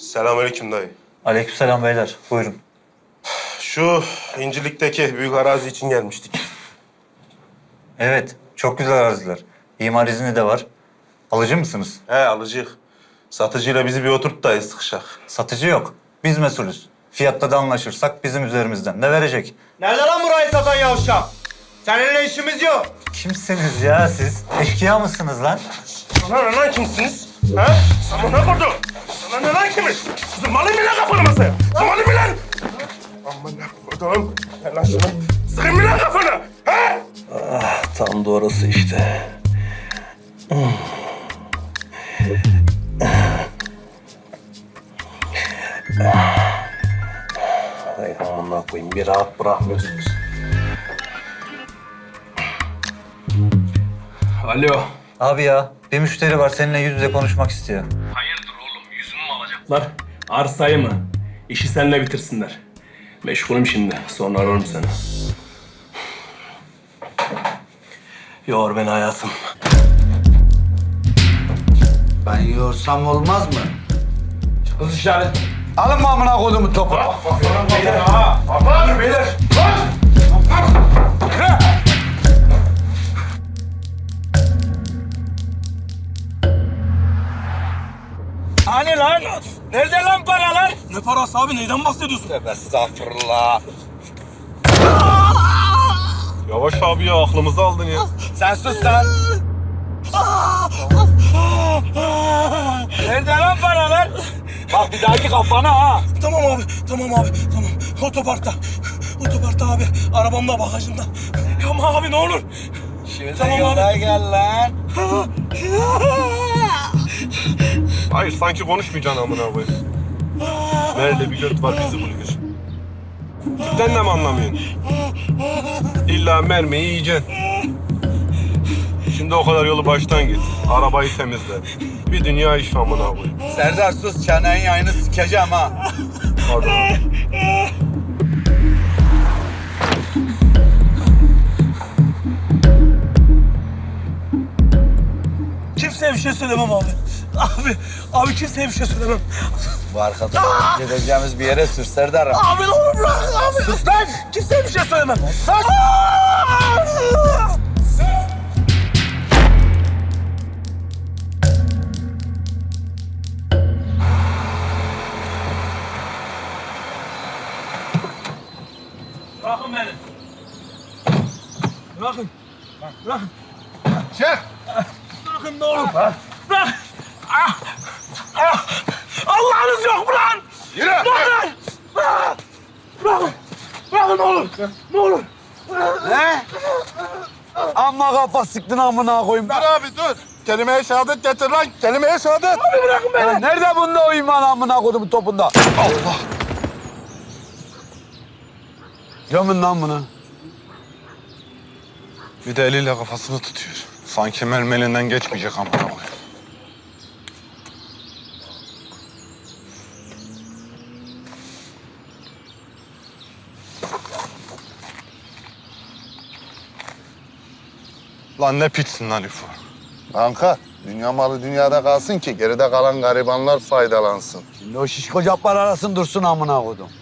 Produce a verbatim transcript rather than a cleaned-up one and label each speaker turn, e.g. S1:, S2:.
S1: Selamünaleyküm dayı.
S2: Aleykümselam beyler. Buyurun.
S1: Şu İncirlik'teki büyük arazi için gelmiştik.
S2: Evet, çok güzel araziler. İmar izni de var. Alıcı mısınız?
S1: He alıcıyık. Satıcıyla bizi bir oturt da sıkışak.
S2: Satıcı yok. Biz mesulüz. Fiyatta da anlaşırsak bizim üzerimizden de verecek.
S3: Nerede lan burayı satan yavşak? Seninle işimiz yok.
S2: Kimsiniz ya siz? Eşkıya mısınız lan?
S1: Sana ne lan kimsiniz? Ha? Sana ne kurdu? Sana ne lan kimiz? Zımalı mı lan kafanı masaya? Zımalı mı lan? Aman ne kurdum? Ver lan şunu. Sıkın mı lan kafanı? Ha?
S4: Ah, tam da orası işte. Ay amına koyayım, bir rahat bırakmıyorsunuz. Alo.
S2: Abi ya, bir müşteri var seninle yüz yüze konuşmak istiyor.
S4: Hayırdır oğlum, yüzümü mü alacaklar? Arsayı mı? İşi seninle bitirsinler. Meşgulüm şimdi, sonra ararım seni. Yor beni hayatım.
S5: Ben yorsam olmaz mı?
S4: Kız işaret.
S5: Alın mı amına koyduğumu topu?
S4: Beyler ha! Baba! Beyler!
S3: Hani lan? Nerede lan paralar?
S4: Ne parası abi? Neyden bahsediyorsun?
S5: Tövbe estağfurullah.
S1: Yavaş abi ya aklımızı aldın ya.
S5: Sen sus lan.
S3: Nerede lan paralar?
S5: Bak bir dahaki kafana ha.
S4: Tamam abi, tamam abi, tamam. Otoparkta. Otoparkta abi. Arabamda, bagajımda. Ama abi ne olur.
S5: Şimdi
S4: Tamam
S5: yola gel lan.
S1: Hayır sanki konuşmayacaksın amına koyayım. Nerede bir göt var bizi bulur. Sen de mi anlamıyorsun? İlla mermiyi yiyeceksin. Şimdi o kadar yolu baştan git. Arabayı temizle. Bir dünya iş amına koyayım.
S5: Serdar sus, çenenin yayını sikeceğim ha.
S1: Hadi.
S4: Kimseye bir şey söylemem abi. Abi, abi kimseye bir şey söylemem.
S5: Bu arkadaş gideceğimiz bir yere sür Serdar'ım.
S4: Abi ne olur bırak abi.
S5: Sus lan.
S4: Kimseye bir şey söylemem.
S5: Sus.
S4: Bırakın beni. Bırakın. Bırakın.
S5: Çık.
S4: Bırakın ne olur. Bırak. Ah. Ah. Allah'ınız yok mu lan?
S5: Yürü.
S4: Bırakın. Bırak. Bırakın. Bırakın ne olur. Ne olur.
S5: Ne? Amma kafa sıktın amına koyayım.
S1: Dur abi dur. Kelime-i şehadet getir lan. Kelime-i şehadet.
S4: Abi bırakın beni.
S5: Ya nerede bunda o iman amına koyduğumun topunda? Allah. Gömün lan bunu.
S6: Bir de eliyle kafasını tutuyor. Sanki mermelinden geçmeyecek amına koyayım. Lan ne pitsin lan İfo.
S7: Kanka, dünya malı dünyada kalsın ki geride kalan garibanlar faydalansın.
S5: Şimdi o şişko caplar arasın dursun amına koydum.